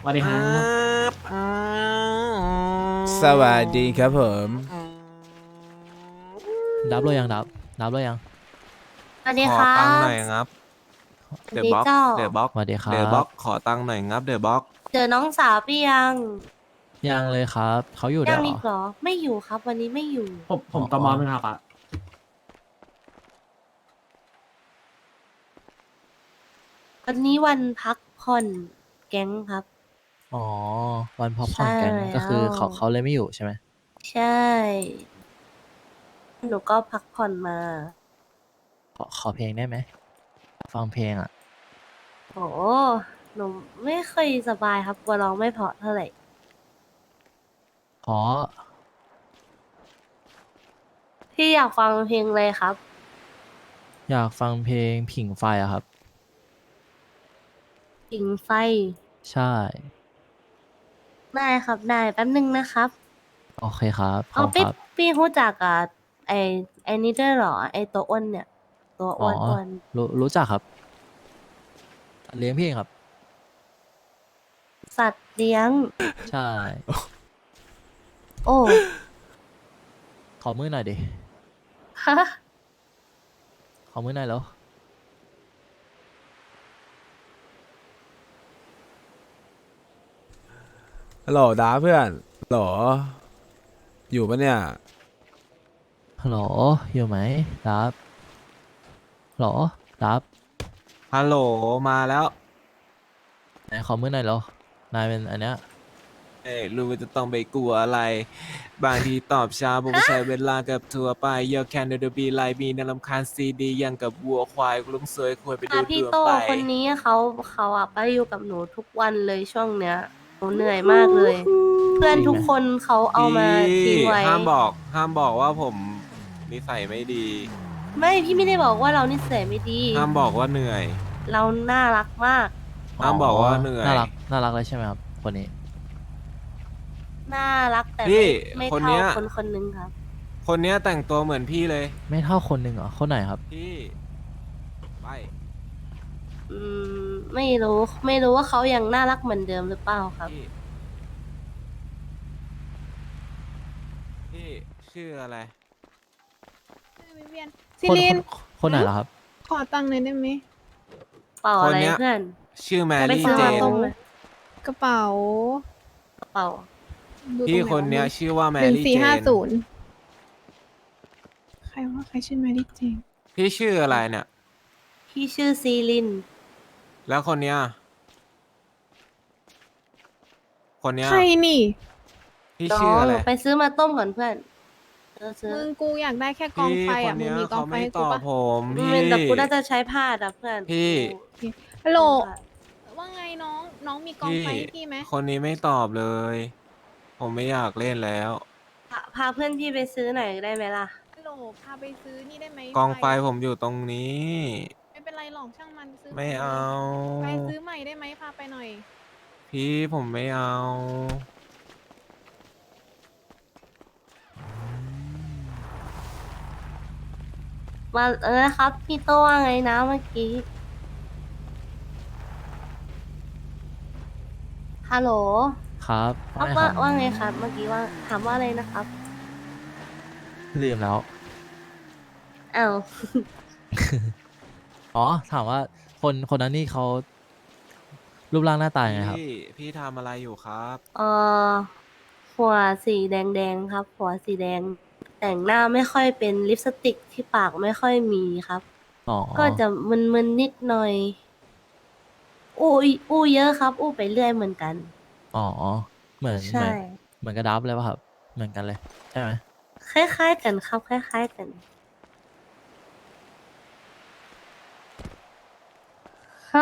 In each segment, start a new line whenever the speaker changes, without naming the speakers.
วัสดีครับ
สวัสดีครับผม
ดับเลยยังดับเลยยัง
สวัส
ขอ
ดีครั
ตังค์หน่
บ
อยครับ
สวั
เดอะบ็อก
สดีเจ้า
เดอะบ็อก
สวัสดีครั
เดอะบ็
บ
อกขอตังค์หน่อยครับเดอะบ็อก
เจอน้องสาวพี่ยัง
ยังเลยครับเขาอยู่ด้วยเหรอ
ยังอีกเหรอไม่อยู่ครับวันนี้ไม่อยู่
ผมต
อ๋อ
มไหมครับอ่ะ
วันนี้วันพักผ่อนแก๊งครับ
อ๋อวันพักผ่อ
ใช่
นแก๊ง
แล้
ก็คือ
ว
เขาเลยไม่อยู่ใช่ไหม
ใช่หนูก็พักผ่อนมา
ขอเพลงได้ไหมฟังเพลงอ่ะ
โอ้หนูไม่ค่อยสบายครับกลัวร้องไม่เพราะเท่าไหร่
ขอ
พี่อยากฟังเพลงเลยครับ
อยากฟังเพลงผิงไฟอะครับ
ปิงไฟ
ใช่
ได้ครับได้แป๊บนึงนะครับ
โอเคครับพ
อ๋อพี่
ร้อมครับ
พี่รู้จักไอไอนี่ด้วยเหรอไอตัวอ้วนเนี่ยตัว
อ๋อ
อ้วน
รู้จักครับเลี้ยงเพลงครับ
สัตว์เลี้ยง
ใช่
โอ้
ขอมือหน่อยดิ
ฮะ
ขอมือหน่อยแล้ว
ฮัลโหลดาเพื่อนฮัลโหลอยู่ปะเนี่ย
ฮัลโหลอยู่ไหมดับฮัลโหลดับ
ฮัลโหลมาแล้ว
ไหนขอมือหน่อยแล้วนายเป็นอันเนี้ย
เอ้ยรู้ว่าจะต้องไปกลัวอะไรบางทีตอบช้าผมก็ใช้เวลากับทัวร์ไปเยอะแค่เดบีไลบีน่ารำคาญซีดียังกับวัวควายลุงสวยควรไปดู
พี่โต
ดวงไป
คนนี้เขาไปอยู่กับหนูทุกวันเลยช่วงเนี้ยหนูเหนื่อยมากเลย เพื่อน
จริงไหม
ทุกคนเขาเอา
พี่
มาทิ้งไว้
ห้ามบอกว่าผมนิสัยไม่ดี
ไม่พี่ไม่ได้บอกว่าเรานิสัยไม่ดี
ห้ามบอกว่าเหนื่อย
เราน่ารักมาก
ห้ามบอกว่าเหนื่อย
น่ารักเลยใช่ไหมครับคนนี้
น่ารักแต่
พี่
ไม่
คน
เท่า
เนี้ย
คนคนนึงครับ
คนเนี้ยแต่งตัวเหมือนพี่เลย
ไม่เท่าคนหนึ่งเหรอคนไหนครับ
พี่ไป
อืมไม่รู้ว่าเขายังน่ารักเหมือนเดิมหรือเปล่าครับ
พี่พี่ชื่ออะไร
วิเวียน
ค
ซิ
น
ลิน
คนไหนเหรอครับ
ขอตังค์หน่อยได้ไหม
เปล่าอะไรเพื่อน
ชื่อแม
จะไป
รี่
ซื้อ
เจ
มาน ต้มเลย
กระเป๋า
กระเป๋า
ดูตร
พี่
งไห
คนเนี้ยชื่อว่าแม
หนึ่ง
รี่เจ
สี่ห้าน ศูนย์ใครว่าใครชื่อแมรี่เจน
พี่ชื่ออะไรเนี่ย
พี่ชื่อซีลิน
แล้วคนเนี้ยคนเนี้ย
ใครนี่
พี่
น้อ
ชื่องอะไร
ไปซื้อมาต้มก่อนเพื่อนซื้อ
มึงกูอยากได้แค่กอง
พี่
ไฟ
ค
อ่ะ
น
มึง
เนี้ย
มีกอง
เขา
ไฟ
ไม่
ให้
ต
กู
อบ
ปะ
ผมพี่
แต่กูน่าจะใช้ผ้าอะเพื่อน
พี่
ฮัลโหล
กู
ว่าไงน้องมีกอง
พี่
ไฟให้พี่ไหม
คนนี้ไม่ตอบเลย ผมไม่อยากเล่นแล้ว
พาเพื่อนพี่ไปซื้อหน่อยได้ไหมล่ะ
ฮัลโหลพาไปซื้อนี่ได้ไหม
กองไฟผมอยู่ตรงนี้
ไม่เป็นไรหรอกช่างมันซื้อ
ไม่เอา
ไปซื้อใหม่ได้ไหมพาไปหน่อย
พี่ผมไม่เอา
มานะครับพี่โตว่าไงนะเมื่อกี้ฮัลโหล
ครับว่าไงค
ว่า
รับ
ว่าไงครับเมื่อกี้ว่าถามว่าอะไรนะครับ
ลืมแล้ว
อ้าว
อ๋อถามว่าคนนั้นนี่เขารูปร่างหน้าตายังไงครับ
พี่ทำอะไรอยู่ครับ
เอ่อหัวสีแดงครับหัวสีแดงแต่งหน้าไม่ค่อยเป็นลิปสติกที่ปากไม่ค่อยมีครับ
อ๋อ
ก็จะมึนๆนิดหน่อยอู้เยอะครับอู้ไปเรื่อยเหมือนกัน
อ๋อเหมือนเหมื
ใช่
อนเหมือนกระดับเลยป่ะครับเหมือนกันเลยใช่ไหม
คล้ายๆกันครับคล้ายๆกันก็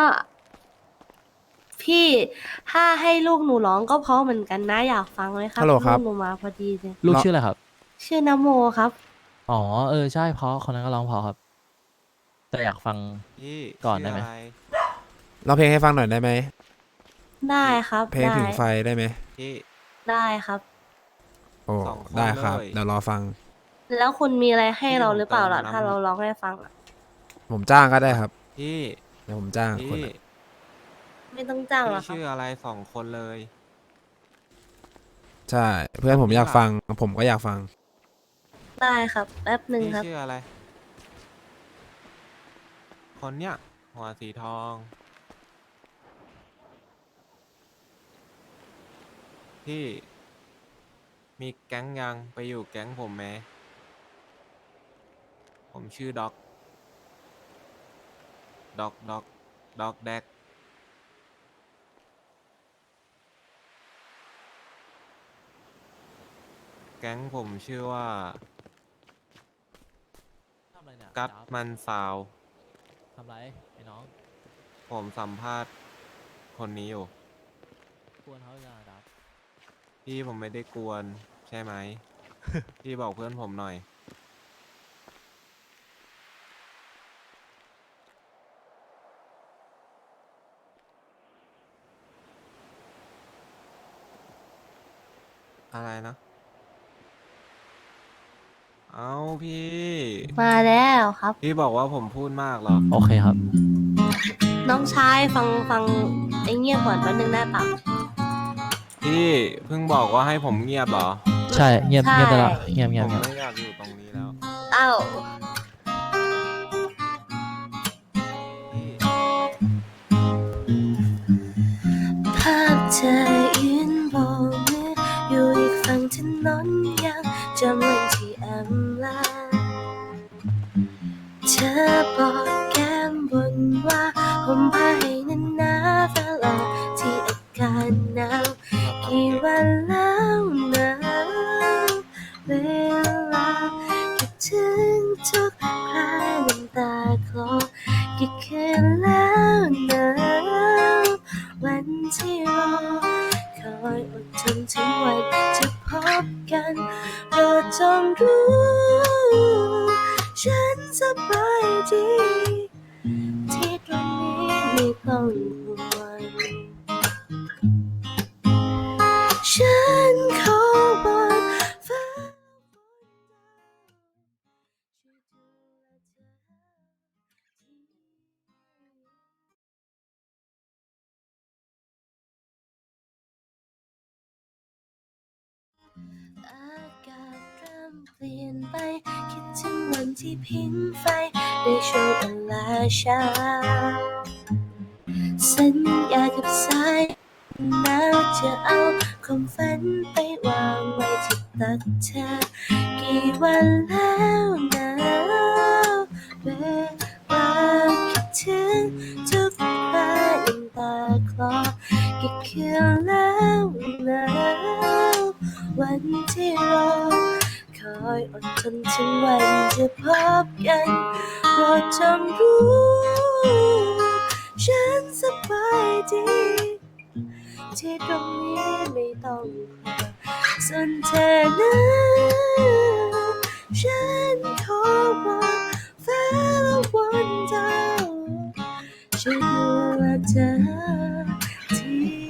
พี่ถ้าให้ลูกหนูร้องก็เพราะเหมือนกันนะอยากฟังไหมครับ
ฮัลโหลค
ลู
รั
ก
บ
หนูมาพอดีเลย
ลูกชื่ออะไรครับ
ชื่อนโมครับ
อ๋อใช่เพราะคนนั้นก็ร้องเพราะครับ แต่อยากฟัง
พี่
ก่อน
ชื่
ได้ไหม
ะร
เราเพลงให้ฟังหน่อยได้ไหม
ได้ครับ
เพลง
ได้
ถึงไฟได้ไหม
พี่
ได้ครับ
โอ้
สองคน
ได้ครับ
เลย
เดี๋ยวรอฟัง
แล้วคุณมีอะไรให้
พี่
เรา
ผม
หรือเปล่าล่ะ
เติมน้ำ
ถ้าเราร้องให้ฟังอะ
ผมจ้างก็ได้ครับ
พี่
เดี๋ยวผมจ้างคน
พี่
อะ
ไไม่ต้องจ้างหรอกครับ
พี่ชื่ออะไรสองคนเลย
ใช่ เพื่อนผมอยากฟัง ผมก็อยากฟัง
ได้ครับ แป๊บหนึ่ง
พี่
ครับ
ชื่ออะไร คนเนี้ยหัวสีทอง พี่ มีแก๊งยังไปอยู่แก๊งผมไหม ผมชื่อด็อกแดก แก๊งผมชื่อว่า
ทำอะไรเนี่ย
กัด
ดับ
มันซาว
ทำไรไอ้น้อง
ผมสัมภาษณ์คนนี้อยู่
กวนเขาอีกแล้วดับ
พี่ผมไม่ได้กวนใช่ไหม พี่บอกเพื่อนผมหน่อย อะไรนะ เอาพี่
มาแล้วครับ
พี่บอกว่าผมพูดมากเหรอ
โอเคครับ
น้องชายฟังไอ้เงียบก่อนแป๊บนึงได้ปะ
พี่เพิ่งบอกว่าให้ผมเงียบเหรอ
ใช่เงียบ
ใช่
เงียบไปละเงียบ
ผ
เงียบ
ม
เงียบ
ไม่อยากอยู่ตรงนี้แล้ว
เอ้า
พี่
ภาพเธอยืนโบกมืออยู่อีกฝั่งถนนยังจำวันที่อำลาเธอบอกแก้มบนว่าผมพาให้นานนาเวลาที่อากาศหนาวกี่วันแล้วนะเวลาคิดถึงทุกคราน้ำตาคลอกี่คืนแล้วนะวันที่รอคอยอดทนถึงวันจะพบกันโปรดจงรู้ฉันสบายดีที่ตรงนี้ไม่ต้องห่วงฉันขอบนฟ้าช่วยดูแลเธออากาศเริ่มเปลี่ยนไปคิดถึงวันที่ผิงไฟในช่วงเวลาเช้าสัญญากับสายหนาวจะเอาความฝันไปวางไว้ที่ตักเธอกี่วันแล้วนะเวลาคิดถึงทุกคราน้ำตาคลอกี่คืนแล้วนะวันที่รอคอยอดทนถึงวันจะพบกันโปรดจงรู้ฉันสบายดีที่ตรงนี้ไม่ต้องห่วงส่วนเธอนั้นฉันขอบอกฟ้าและวันดาวช่วยดูแลเธอที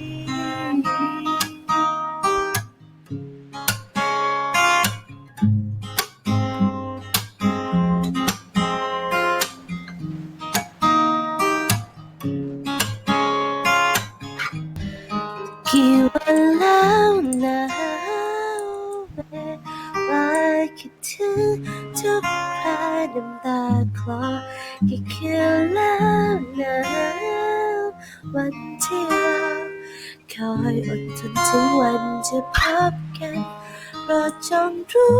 กี่วันแล้วนะเวลาคิดถึงทุกคราน้ำตาคลอกี่คืนแล้วนะวันที่เราคอยอดทนถึงวันจะพบกันโปรดจงรู้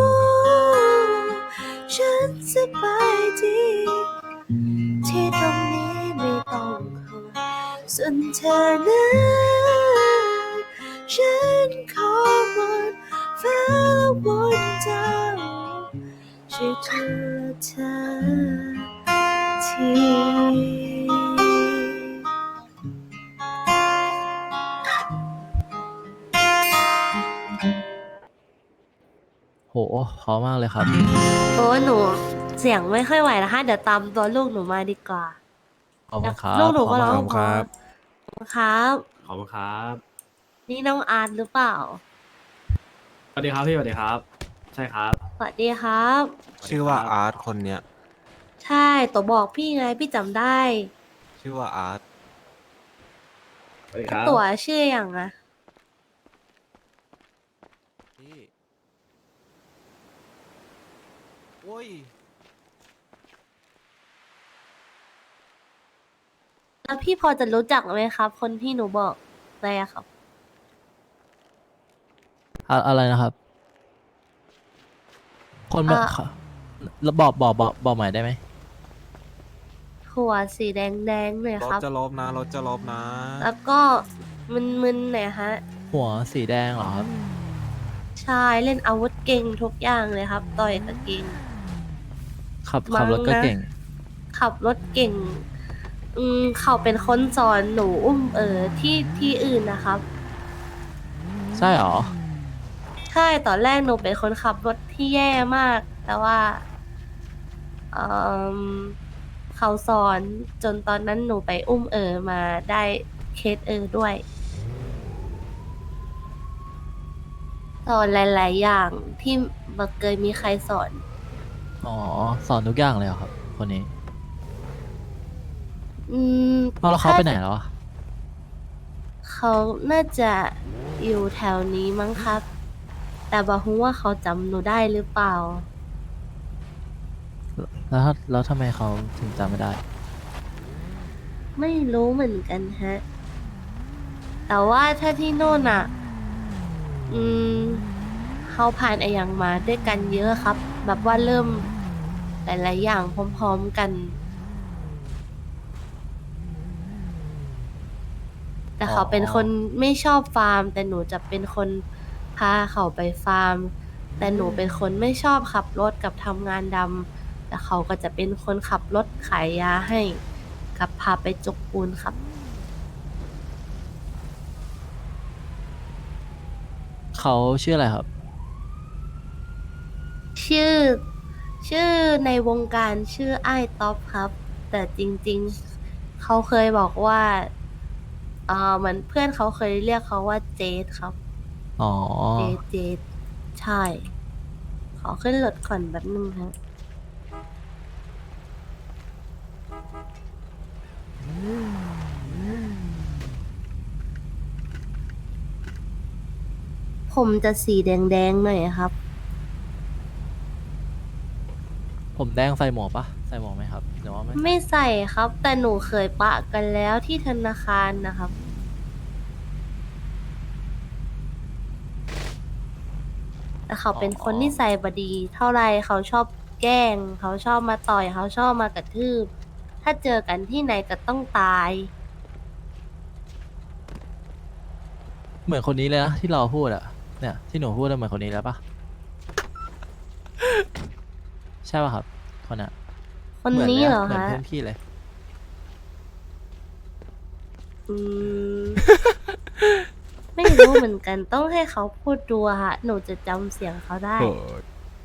ฉันสบายดีที่ตรงนี้ไม่ต้องห่วงส่วนเธอนั้นฉันขอวอนฟ้าและวอนดาวช่วยดูแลเธอที
โหเพราะมากเลยครับ
โอ้หนูเสียงไม่ค่อยไหวนะคะเดี๋ยวตามตัวลูกหนูมาดีกว่า
ขอบคุณครับ
ลูกหนูก็
เพ
ร้
ราะ
อง
มาก
ครับ
เพราะครับ
ขอบคุณครับ
นี่น้องอาร์ตหรือเปล่า
สวัสดีครับพี่สวัสดีครับ ใช่ครับ
สวัสดีครับ
ชื่อว่าอาร์ตคนเนี้ย
ใช่ตัวบอกพี่ไงพี่จำได้
ชื่อว่าอาร์ต
สวัสดีครับ
ตั๋วชื่ออย่างอะ
พี่โอ้ย
แล้วพี่พอจะรู้จักไหมครับ คนที่หนูบอกไปอะครับ
อะไรนะครับ คนแบบ
อ่ะ
แล้วบอกใหม่ได้ไหม
หัวสีแดงเลย
รถ
ครับ
จะลบนะรถจะลบนะ
แล้วก็มึนๆหน่อยฮะ
หัวสีแดงเหรอครับ
ใช่เล่นอาวุธเก่งทุกอย่างเลยครับ ต่อยกับเก่ง
ขับรถก็
มั้งนะ
เก่ง
ขับรถเก่ง เขาเป็นคนสอนหนูอุ้มที่อื่นนะครับ
ใช่เหรอ
ใช่ตอนแรกหนูเป็นคนขับรถที่แย่มาก แต่ว่าเอมเขาสอนจนตอนนั้นหนูไปอุ้มมาได้เคสด้วย สอนหลาย ๆ อย่างที่บ่เคยมีใครสอน
อ๋อ สอนทุกอย่างเลยเหรอครับ คนนี้
อืม
เอาแล้วเขาไปไหน
ถ้
แล้วอะ
เขาน่าจะอยู่แถวนี้มั้งครับ แต่บอกว่าเขาจำหนูได้หรือเปล่า
แล้วทำไมเขาถึงจำไม่ได้
ไม่รู้เหมือนกันฮะ แต่ว่าถ้าที่โน่นอ่ะ อืมเขาผ่านไออย่างมาด้วยกันเยอะครับ แบบว่าเริ่มหลายๆอย่างพร้อมๆกัน แต่เขาเป็นคนไม่ชอบฟาร์ม แต่หนูจะเป็นคนพาเขาไปฟาร์ม แต่หนูเป็นคนไม่ชอบขับรถกับทำงานดำแต่เขาก็จะเป็นคนขับรถขายยาให้กับพาไปจกปูนครับ
เขาชื่ออะไรครับ
ชื่อชื่อในวงการชื่อไอ้ายท็อปครับ แต่จริงๆ เขาเคยบอกว่าเหมือนเพื่อนเขาเคยเรียกเขาว่าเจดครับ
อ๋อ
เจดใช่ ขอขึ้นรถก่อนแบบนึงครับผมจะสีแดงๆหน่อยครับ
ผมแดงใส่หมวกปะใส่หมวกไหมครับหรือว่าไม่ใส่
ไม่ใส่ครับ แต่หนูเคยปะกันแล้วที่ธนาคารนะครับ แต่เขาเป็นคนนิสัยบดี เท่าไรเขาชอบแกล้ง เขาชอบมาต่อย เขาชอบมากระทืบ ถ้าเจอกันที่ไหนก็ต้องตาย
เหมือนคนนี้เลยนะที่เราพูดอะเนี่ยที่หนูพูดอะเหมือนคนนี้แล้วปะ ใช่ปะครับ คนน่ะ
คนนี้เหรอ
มือน
คะ
เพื่อนพี่เลย
อืม ไม่รู้เหมือนกัน ต้องให้เขาพูดดูอะค่ะ หนูจะจำเสียงเขาได้
โอ้ย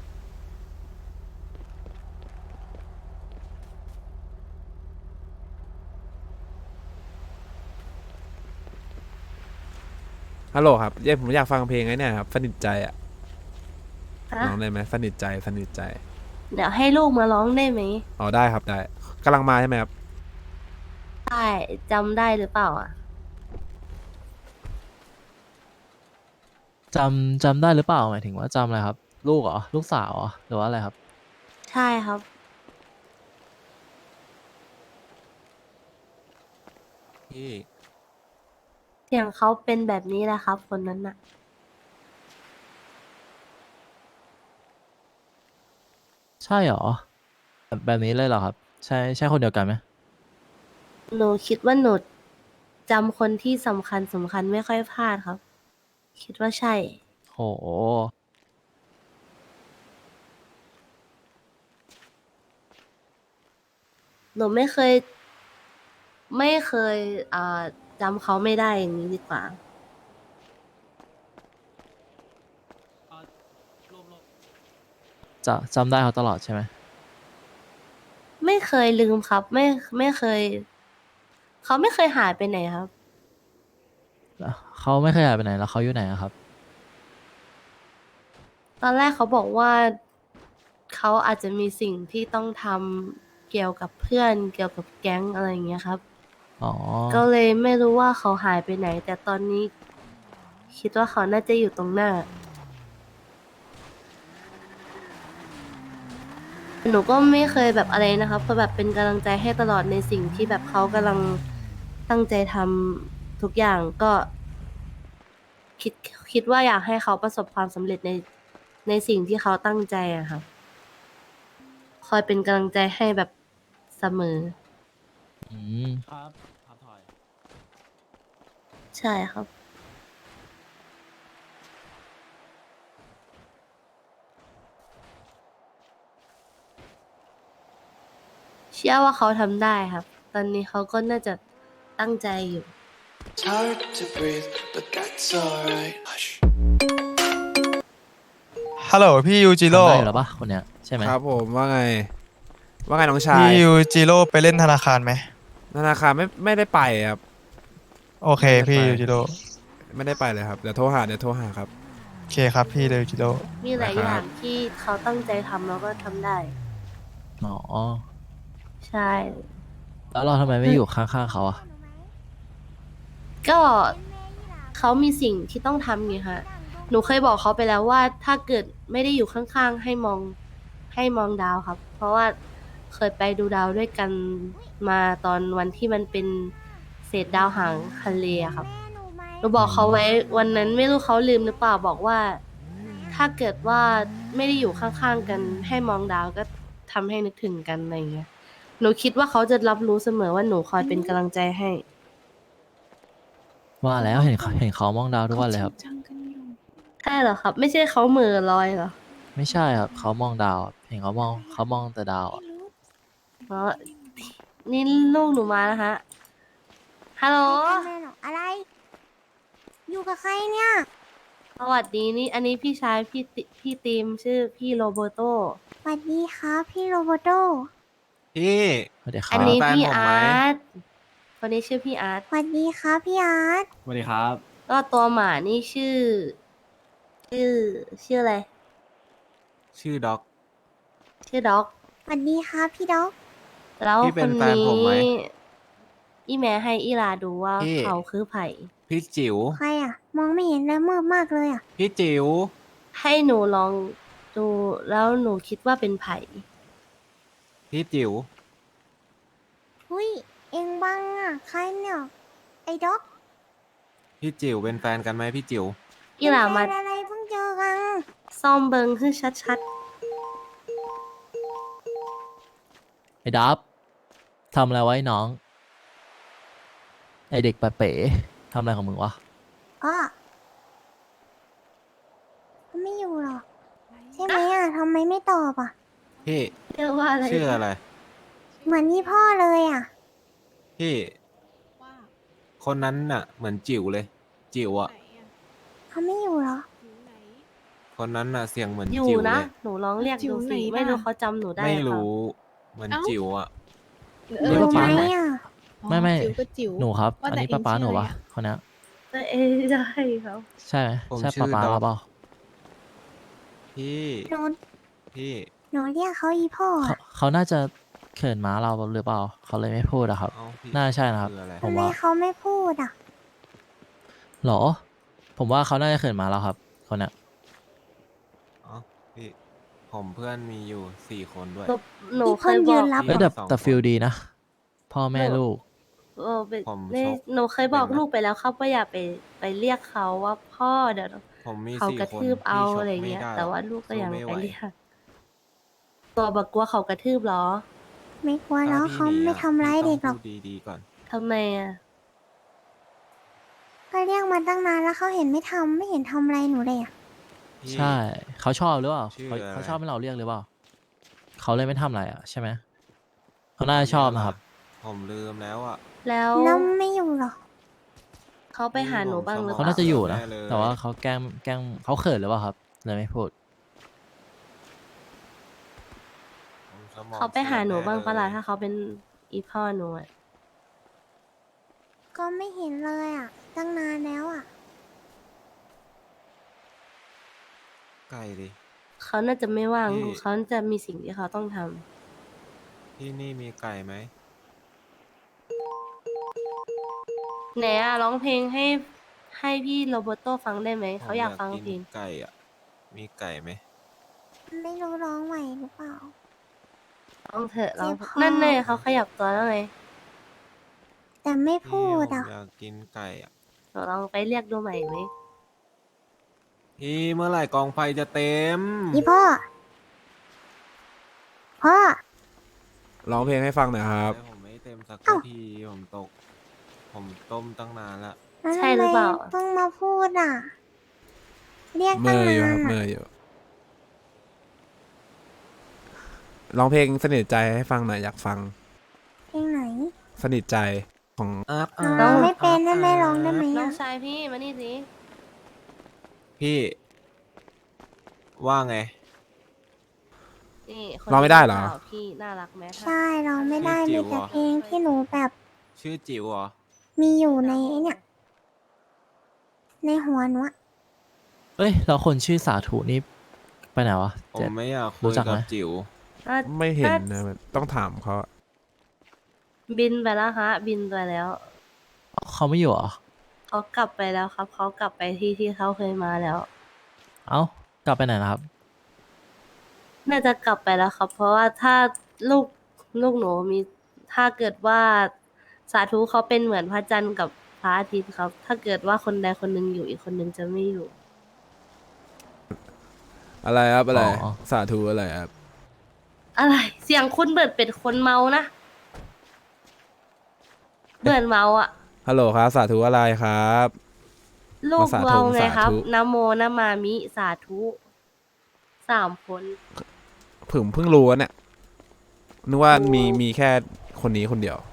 ฮัลโหลครับเย้ผมอยากฟังเพลงไอ้เนี่ยครับสนิทใจอะ
ฮะ
ร้องได้ไหมสนิทใจสนิทใจ
เดี๋ยวให้ลูกมาร้องได้ไหม
อ๋อได้ครับได้กำลังมาใช่ไหมครับ
ได้จำได้หรือเปล่าอ่ะ
จำได้หรือเปล่าหมายถึงว่าจำอะไรครับ ลูกเหรอ ลูกสาวเหรอ หรือว่าอะไรครับ
ใช่ครับ
พี่
เสียงเขาเป็นแบบนี้แหละครับ คนนั้นน่ะ
ใช่เหรอ แบบนี้เลยเหรอครับ ใช่คนเดียวกันไหม
หนูคิดว่าหนูจำคนที่สำคัญไม่ค่อยพลาดครับ คิดว่าใช่
โห
หนูไม่เคยจำเขาไม่ได้อย่างนี้ดีกว่า
จำได้เขาตลอดใช่ไหม
ไม่เคยลืมครับ ไม่เคย เขาไม่เคยหายไปไหนครับ
เขาไม่เคยหายไปไหนแล้วเขาอยู่ไหนอะครับ
ตอนแรกเขาบอกว่าเขาอาจจะมีสิ่งที่ต้องทำเกี่ยวกับเพื่อนเกี่ยวกับแก๊งอะไรอย่างเงี้ยครับ
อ๋อ
ก็เลยไม่รู้ว่าเขาหายไปไหน แต่ตอนนี้คิดว่าเขาน่าจะอยู่ตรงหน้า หนูก็ไม่เคยแบบอะไรนะครับเพราะแบบเป็นกำลังใจให้ตลอดในสิ่งที่แบบเขากำลังตั้งใจทำทุกอย่างก็คิดคิดว่าอยากให้เขาประสบความสำเร็จในสิ่งที่เขาตั้งใจอะครับคอยเป็นกำลังใจให้แบบเสมอ
อืม
ครับครับถอย
ใช่ครับ เชื่อว่าเขาทำได้ครับ ตอนนี้เขาก็น่าจะตั้งใจอยู่
It's hard to breathe, but that's alright. Hush.
ฮัลโหลพี่ยูจิ
ทำ
โร่
ได้อยู่แล้วปะคนเนี้ยใช่ไหม
ครับผมว่าไง ว่าไงน้องชาย
พี่ยูจิโร่ไปเล่นธนาคารไหม
ธนาคารไม่ได้ไปครับ
โอเคพี่ยูจิโร่
ไม่ได้ไปเลยครับเดี๋ยวโทรหาครับ
โอเคครับพี่ยูจิโร่
มีหลาย
นะครับ
อย่างที่เขาตั้งใจทำแล้วก็ทำได้
อ๋อ
ใช่
แล้วเราทำไมไม่อยู่ข้างๆเขาอะ
ก็เขามีสิ่งที่ต้องทำไงคะหนูเคยบอกเขาไปแล้วว่าถ้าเกิดไม่ได้อยู่ข้างๆให้มองดาวครับ เพราะว่าเคยไปดูดาวด้วยกันมาตอนวันที่มันเป็นเศษดาวหางทะเลอะครับหนูบอกเขาไว้วันนั้นไม่รู้เขาลืมหรือเปล่าบอกว่า ถ้าเกิดว่าไม่ได้อยู่ข้างๆกัน ให้มองดาวก็ทำให้นึกถึงกันอะไรเงี้ยหนูคิดว่าเขาจะรับรู้เสมอว่าหนูคอยเป็นกำลังใจให้
ว่าแล้วเห็นเขามองดาวทุกวันเลยครับ
ใช่เหรอครับ ไม่ใช่เขาเหม่อลอยเหรอ
ไม่ใช่ครับเขามองดาวอะเห็นเขามองแต่ดาวอะ
อ๋อนี่ลูกหนูมาแล้วฮะฮัลโหล
แม่หรออะไร อยู่กับใครเนี่ย
สวัสดีนี่อันนี้พี่ชายพี่ตีมชื่อพี่โรเบร์โต
สวัสดีครับพี่โรโบโต
พี่
สวัสดีค
อั
รั
น
บ
นี้
แฟน
พี่
ผมไหม
อาร์ตคนนี้ชื่อพี่อาร์ต
สวัสดีครับพี่อาร์ต
สวัสดีครับ
ก็ตัวหมานี่ชื่ออะไร
ชื่อด็อก
ชื่อด็อก
สวัสดีครับพี่ด็อก
แล้ว
พี่เป็
คน น
แฟน
นี้
ผมไหม
อีแม่ให้อีลาดูว่า
พี่
เขาคือไผ่
พี่จิ๋ว
ใครอ่ะ มองไม่เห็นเลยมืดมากเลยอ่ะ
พี่จิ๋ว
ให้หนูลองดูแล้วหนูคิดว่าเป็นไผ่
พี่จิ๋ว
หุยเอ็งบังอ่ะ ใครเนี่ย ไอ้ด็อก
พี่จิ๋วเป็นแฟนกันไหมพี่จิ๋ว
อีหลามา
เป็นแฟนอะไรเพิ่งเจอกัน
ซ่อมเบิงคือชัด
ไอ้ดับทำอะไรไว้น้อง ไอเด็กปะเป๋ทำอะไรของมึงวะ
อ๋อเขาไม่อยู่หรอ ใช่ไหมอ่ะทำไมไม่ตอบอ่ะ
พี่
ๆเรียกว่าอะไร
ชื่ออะไร
เหมือนนี่พ่อเลยอ่ะ
พี่
ว่า
คนนั้นน่ะ เหมือนจิ๋วเลย จิ๋วอ่ะ
ไหนอะ
เขาไม่อยู่หรอ
อยู่ไหน
คนนั้นน่ะเสียงเหมือน
อยู่
จิ๋ว
นะ
เลย
หนูลองเรียก
จิ๋
ดู
วไหน
สิ
ล่ะ
ไม่รู้เขาจำหนูได้
ไม่
หอเปล่า
รู้ เหมือนจิ๋วอ่ะ
เอ
นี่
อ
ก็
ไห
ปา
น
ไหม
อ่ะ
ไม่
จิ๋วก็จิ๋ว
หนูครับ
ว่า
อัน
แต่
นี้
เอง
ป้า
ชื่อ
หนู
อะไร
ปะ
อะ
คนเนี้ย
เอ้ยได้ครับ
ใช่ไหม
ผม
ใช่
ชื่อ
ป้า
ดอก
เราเปล่า
พี่
หนู
พี่
หนูเรียกเขาอีพ่อ
เขา
อ่ะ
เขาน่าจะเขินม้าเราหรือเปล่า เขาเลยไม่พูดอะครับ
เอ้าพี่
น่าใช่นะครับ
คืออะไร
ผ
ทำ
ม
ไม
ว่า
เขาไม่พูดอ่ะ
หรอ ผมว่าเขาน่าจะเขินม้าเราครับ คนเนี้ย
อ๋อพี่ ผมเพื่อนมีอยู่4 คนด้วย
หนู
อีก
เค
คน
ยบ
ยื
อก
นรับ
เอ้ยแต่
สอง
แต่
คน
ฟิลดีนะ พ่อแม่ลูก
เป็น
ผม
นี่
ชก
หนูเคยบอก
เป็นไหม
ลูกไปแล้วครับว่าอย่าไปเรียกเขาว่าพ่อเดี๋ยว
ผมมี
เขา
4
กระ
คน
ทืบเอา
พี่ชก
อะไร
ม่
เงี้ย
ด้
แต่ว่า
หรอ
ลูกก็ยัง
สู้ไม่
ไป
ไหว
เรียกตัวบักกลัวเขากระทืบเหรอ
ไม่กลัวแล้ว
ถ้
เขา
พี่หนี
ไม่
อะ
ทำร้าย
พี่
เด็กหร
ต้
อ
อก งพูดดีๆก่อน
ทำไมอ่ะ
ก็เรียกมาตั้งนานแล้วเขาเห็นไม่ทำไม่เห็นทำอะไรหนูเลยอ่ะ
พี่
ใช่ เขาชอบหรือเปล่า
ชื่อ
เขา
อะไร
เขาชอบให้เราเรียกหรือเปล่า เขาเลยไม่ทำอะไรอ่ะใช่ไหม เขาน่าจะชอบนะครับ
ผมลืมแล้วอ่ะ
แล้ว
แล้วไม่อยู่หรอ
เขาไปหาหนูบ้างหรือเป
เขา
ล่า
น่าจะอยู่นะ
แน่เลย
แต่ว่าเขาแกล้งเขาเขินหรือเปล่าครับ เลยไม่พูด
ผมสมอง
เขาไปหาหนูบ้างปะล่ะ
เสียแน่เลย
ถ้าเขาเป็นอีพ่อหนูอ่ะ
ก็ไม่เห็นเลยอ่ะ ตั้งนานแล้วอ่ะ
ไก่ดิ
เขาน่าจะไม่ว่าง
พี่
เขาจะมีสิ่งที่เขาต้องทำ
ที่นี่มีไก่ไหม
ไหนอะร้องเพลงให้พี่โรเบร์โตฟังได้ไหมเขาอยากฟังเพลง
ไก่อ่ะ มีไก่ไหม
ไม่รู้ร้องไหวหรือเปล่า
ร้องเถอะร้อง
เจ็บคอ
นั่นไงเขาขยับตัวแล้วไง
แต่ไม่พู
พี่
ด
ผม
อ่ะ
อยากกินไก่อ่ะ
เราลองไปเรียกดูใหม่ไหม
พี่เมื่อไหร่กองไฟจะเต็ม
อีพ่อ พ่อ
ร้องเพลงให้ฟังหน่อยครับ
ผมไม่เต็มสัก
เอ้า
ทีผมตก ผมต้มตั้งนานละ
แล้ว
ใช่หรือเปล่า
ทำไมเพิ่งมาพูดอ่ะ เรียก
เม
ตั้ง
อ
นา
อยู่
น
ครับเม
อะ
ออยู่ร้องเพลงสนิทใจให้ฟังหน่อยอยากฟัง
เพลงไหน
สนิทใจของ
ร้องไม่เป็นได้ไหมร้องได้ไหม
น้อ
อ่ะ
งชายพี่มานี่สิ
พี่ ว่าไง
นี่คน
ร้องไม่ได้เหรอ
นี้ปล่าพี่น่ารักไหมถ้า
ใช่ร้องไม่ได้
จิ๋
มี
ว
แต่
เหรอ
เพลงที่หนูแบบ
ชื่อจิ๋วเหรอ
มีอยู่ในไอ้เนี่ย ในหัวหนูอะ
เอ้ยแล้วคนชื่อสาธุนี่ไปไหนวะ
ผม
เจ็ด
ไม่อยากคุ
รู้
ย
จัก
กับ
ไหม
จิ๋ว
น่า
ไม่เห็น
า
นะต้องถามเขา
บินไปแล้วฮะ บินไปแล้ว
เขาไม่อยู่เหรอ
เขากลับไปแล้วครับ เขากลับไปที่เขาเคยมาแล้ว
เอ้ากลับไปไหนนะครับ
น่าจะกลับไปแล้วครับ เพราะว่าถ้าลูกหนูมี ถ้าเกิดว่าสาธุเขาเป็นเหมือนพระจันทร์กับพระอาทิตย์ครับ ถ้าเกิดว่าคนใดคนหนึ่งอยู่อีกคนหนึ่งจะไม่อยู่
อะไรครับอะไร
อ๋อ
สาธุอะไรครับ
อะไร เสียงคุณเบิดเป็นคนเมานะเบิดเมาอ่ะ
ฮัลโหลครับ สาธุอะไรครับ
ลูก
สาธุ
เราไงครับ
สาธุ
นะโมนะมามิสาธุ3 คน
ผมเพิ่งรู้ว่าเนี่ยนึกว่ามีแค่คนนี้คนเดียว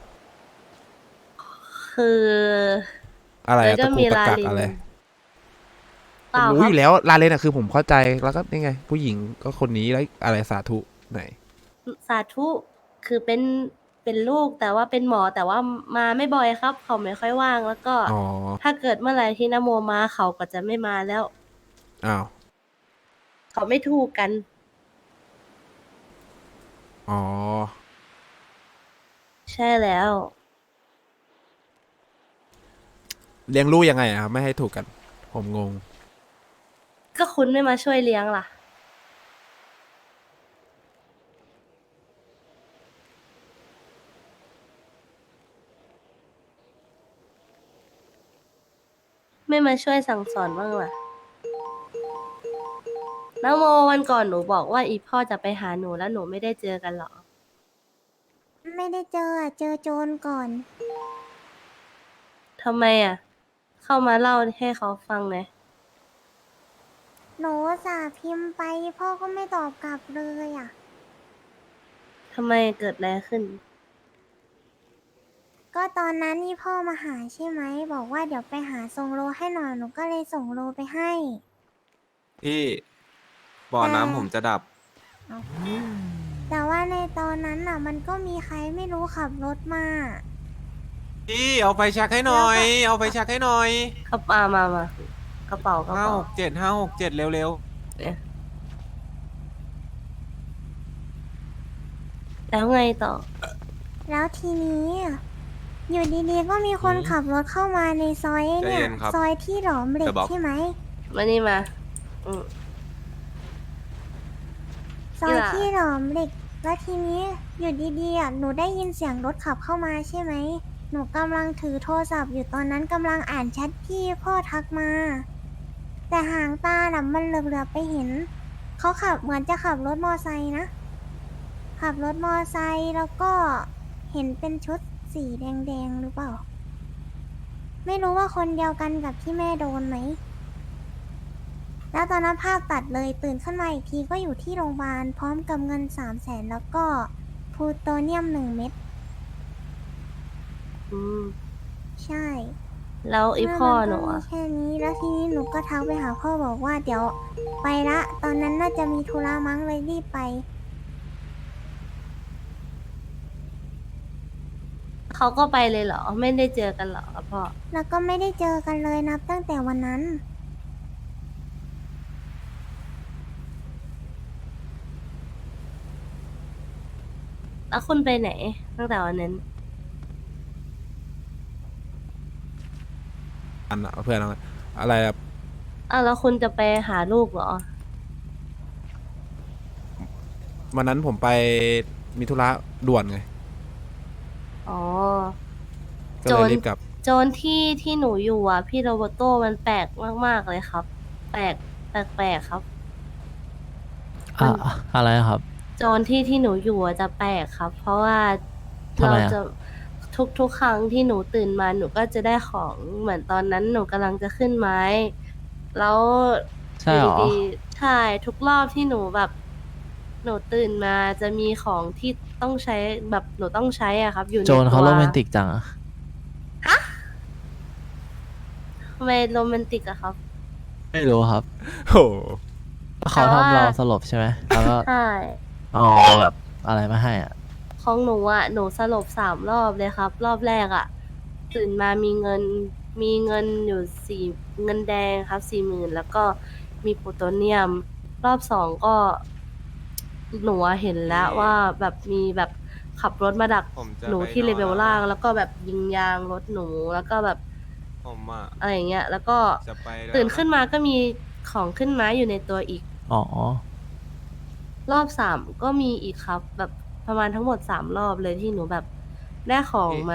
คือ
อะไร
แล้ว
อะ
ก็
ตะกู
มี
ตะ
ลา
กัก
ลิน
อะไร
เปล่า
ผม
ค
รู้
รั
อบ ยู่แล้วลาเลนอะคือผมเข้าใจแล้วก็นี่ไง ผู้หญิงก็คนนี้แล้วอะไรสาธุไหน
สาธุคือเป็นลูกแต่ว่าเป็นหมอแต่ว่ามาไม่บ่อยครับ เขาไม่ค่อยว่างแล้วก็
อ๋อ
ถ้าเกิดเมื่อไหร่ที่นโมมาเขาก็จะไม่มาแล้ว
อ้าว
เขาไม่ถูกกัน
อ๋อ
ใช่แล้ว
เลี้ยงลูกยังไงอะครับไม่ให้ถูกกัน ผมงง
ก็คุณไม่มาช่วยเลี้ยงล่ะ ไม่มาช่วยสั่งสอนบ้างล่ะนะโมวันก่อนหนูบอกว่าอีพ่อจะไปหาหนูแล้วหนูไม่ได้เจอกันเหรอ
ไม่ได้เจออะเจอโจรก่อน
ทำไมอ่ะ เข้ามาเล่าให้เขาฟังไง
หนูอุตสาห์พิมพ์ไปพ่อก็ไม่ตอบกลับเลยอ่ะ
ทำไมเกิดอะไรขึ้น
ก็ตอนนั้นนี่พ่อมาหาใช่ไหม บอกว่าเดี๋ยวไปหาส่งโลให้หน่อยหนูก็เลยส่งโลไปให้
พี่บ่อน้ำผมจะดับ
แต่ว่าในตอนนั้นน่ะ มันก็มีใครไม่รู้ขับรถมา
พี่เอาไฟแช็กให้หน่อย เอาไฟแช็กให้หน่อย
กระเป๋ามากระเป๋ากระ
ห้า
เป๋า
หกเจ็ด567เร็ว
เนี่ยแล้วไงต่อ
แล้วทีนี้อะอยู่ดีๆก็มีคนขับรถเข้ามาในซอยไอ้เนี่ย ซอยที่หลอมเหล็กใช่ไหม
มานี่มา อืม
ซอยที่หลอมเหล็ก แล้วทีนี้อยู่ดีๆอ่ะหนูได้ยินเสียงรถขับเข้ามาใช่ไหม หนูกำลังถือโทรศัพท์อยู่ตอนนั้นกำลังอ่านแชทที่พ่อทักมา แต่หางตาน่ะมันเหลือบๆไปเห็น เขาขับเหมือนจะขับรถมอไซค์นะ ขับรถมอไซค์แล้วก็เห็นเป็นชุดสีแดงๆหรือเปล่า ไม่รู้ว่าคนเดียวกันกับที่แม่โดนไหม แล้วตอนนั้นภาพตัดเลยตื่นขึ้นมาอีกทีก็อยู่ที่โรงพยาบาลพร้อมกับเงิน300,000แล้วก็พลูโตเนียม1 เม็ด
อืม
ใช่
แล้วไอพ่อหนู
แล้วมั
อะ
ก็มีแค่นี้แล้วทีนี้หนูก็ทักไปหาพ่อบอกว่าเดี๋ยวไปละ ตอนนั้นน่าจะมีธุระมั้งเลยรีบไป
เขาก็ไปเลยเหรอ ไม่ได้เจอกันเหรอกับพ่อ
แล้วก็ไม่ได้เจอกันเลยนับตั้งแต่วันนั้น
แล้วคุณไปไหนตั้งแต่วันนั้น
อันอะเพื่อนอะไรอะ
แล้วคุณจะไปหาลูกเหรอ
วันนั้นผมไปมีธุระด่วนไง
อ๋อ
ก็เลยรีบกลับ
โจนที่หนูอยู่อ่ะ พี่โรเบโต้มันแปลกมากๆเลยครับ แปลกครับ
อะไรครับ
โจนที่หนูอยู่อะจะแปลกครับ เพราะว่า
ทำไมอะ
จะทุกครั้งที่หนูตื่นมาหนูก็จะได้ของเหมือนตอนนั้นหนูกำลังจะขึ้นไม้ แล้ว
ใช่เหรอ
ยู่ดีๆใช่ทุกรอบที่หนูแบบ หนูตื่นมาจะมีของที่ต้องใช้แบบหนูต้องใช้อ่ะครับ อยู่ใน
โจ
ตัว
รเขาโรแมนติกจังอะ
ทำไมโรแมนติกอะครับ
ไม่รู้ครับ
โอ้
เขา
แต่ว่า
ทำเราสลบใช่ไหมแล้วก็
ใช่
เอาแบบอะไรมาให้อ่ะ
ของหนูอ่ะหนูสลบ3 รอบเลยครับ รอบแรกอ่ะ ตื่นมามีเงินอยู่เงินแดงครับ40,000แล้วก็มีโพลูโทเนียม รอบ2ก็หนูอะเห็นแล้วว่าแบบมีแบบขับรถมาดัก
ผมจะ
หนู
ไป
ที่
นอน
เลเวล
แล้ว
ล่าง
นะ
แล้วก็แบบยิงยางรถหนูแล้วก็แบบ
ผมอ่ะ
อะไรอย่างเงี้ย แล้วก็
จะไปแล้ว
ตื่นขึ้นมาก็มีของขึ้นไม้อยู่ในตัวอีก
อ๋อ
รอบ3ก็มีอีกครับ แบบประมาณทั้งหมด3 รอบเลยที่หนูแบบได้ของมา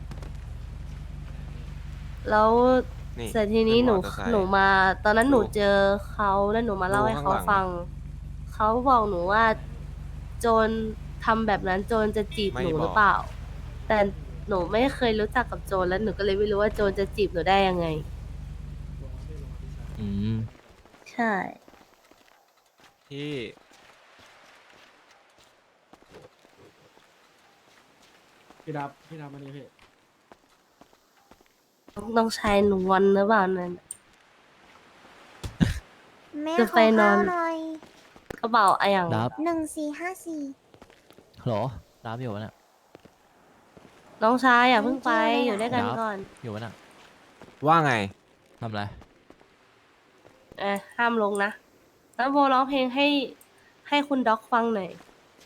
แล้ว
นี่
เสร็จทีนี้
ขึ้
หนู
มอเตอร์ไซค์
หนูมา ตอนนั้นหนู
ดู
เจอเขาแล้วหนูมาเล่า
ดู
ให้เขา
ข้างหลัง
ฟัง เขาบอกหนูว่า โจรทำแบบนั้นโจรจะจีบ
ไม่
หนู
บอก
หรือเปล่า แต่หนูไม่เคยรู้จักกับโจรแล้วหนูก็เลยไม่รู้ว่าโจรจะจีบหนูได้ยังไง
อืม
ใช่
ที่
พี่ดับมานี่พี่
ต้องใช้หนูวันหรือเปล่านั่น
แม่
จะ
ข
ไป
อน
อ
ข้าน วหน่อย
กระเป๋าอะไรอย่าง
ดับ
1454
เหรอดับอยู่วะเนี่ย
น้องชายอย่าเพิ่งไป
ไม่เกี่ยวเลย
อยู่ด้วยกัน
ครับ
ก่อน
อยู่วะเนี่ย
ว่าไง
ทำอะไร
ห้ามลงนะ แล้วโบร้องเพลงให้คุณด็อกฟังหน่อย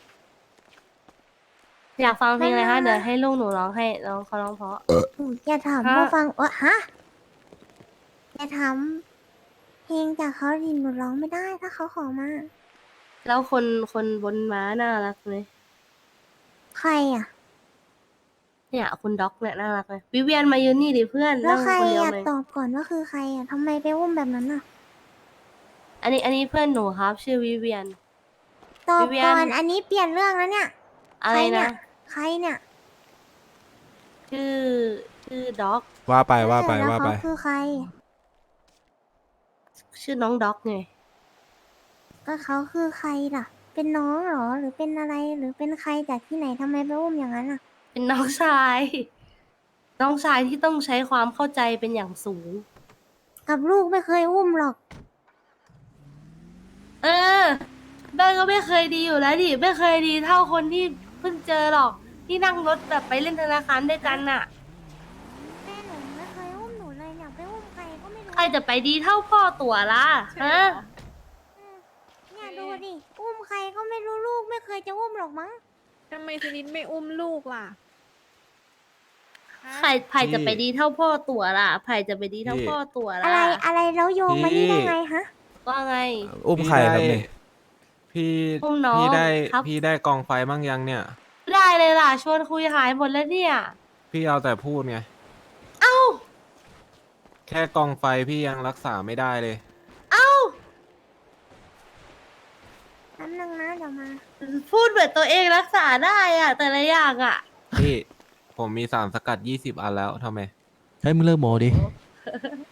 อยากฟังเพลงอะไรคะ
ไม่
เดี๋ยวให้ลูกหนูร้องให้น้องเขาร้องเพราะ
อย่าถาม
ฮะ
ผู้ฟังฮะอย่าถามเพลงจากเขาดิหนูร้องไม่ได้ถ้าเขาขอมา
แล้วคนบนม้าน่ารักไหม
ใครอ่ะ
เนี่ยคุณด็อกเนี่ยน่ารักเลยวิเวียนมายืนนี่ดิเพื่อน
แล้ว
นั่ง
ใคร
คนเดียว
อ่ะ
เลย
ตอบก่อนว่าคือใครอ่ะทำไมไปอุ้มแบบนั้นอ่ะ
อันนี้เพื่อนหนูครับ ชื่อวิเวียน
ตอบ
วิเวียน
ก่อนอันนี้เปลี่ยนเรื่องแล้วเนี่ย
อะไรนะ
ใครเนี่ย
ชื่อด็อก
ว่าไป
แล้วเขาคือใคร
ชื่อน้องด็อกไง
ก็เขาคือใครล่ะ เป็นน้องเหรอหรือเป็นอะไรหรือเป็นใครจากที่ไหนทำไมไปอุ้มอย่างนั้นอ่ะ
เป็นน้องชาย น้องชายที่ต้องใช้ความเข้าใจเป็นอย่างสูง
กับลูกไม่เคยอุ้มหรอก
เออแม่ก็ไม่เคยดีอยู่แล้วดิไม่เคยดีเท่าคนที่เพิ่งเจอหรอกที่นั่งรถแบบไปเล่นธนาคารด้วยกันน่ะ
แม่หนูไม่เคยอุ้มหนูเลยเนี่ยไปอุ้มใครก็ไม่รู้
ใครจะไปดีเท่าพ่อตัวล่ะฮะ
เนี่ยดูดิอุ้มใครก็ไม่รู้ลูกไม่เคยจะอุ้มหรอกมั้ง
ทำไมสนิทไม่อุ้มลูกล่ะฮะ
ใครจะไปดีเท่าพ่อตัวล่ะใครจะไปดีเท่าพ่อตัว
อะ
ล่ะ
ไรอะไรแล้วโยงมานี่ได้ไงฮะ
ว่าไง
อุ้มใครครับเนี่ย
พี่
อุ้มน้อง
พี่ได้
ครับ
พี่ได้กองไฟมั่งยังเนี่ย
ได้เลยล่ะชวนคุยหายหมดแล้วเนี่ย
พี่เอาแต่พูดไง
เอ้า
แค่กองไฟพี่ยังรักษาไม่ได้เลย
เอ้า
แป๊บนึงนะเดี๋ยวมา
พูดเหมือนตัวเองรักษาได้อะแต่ละอย่างอะ
พี่ ผมมีสารสกัด20 อันแล้วทำไม
เฮ้ยมึงเลิกโมดิ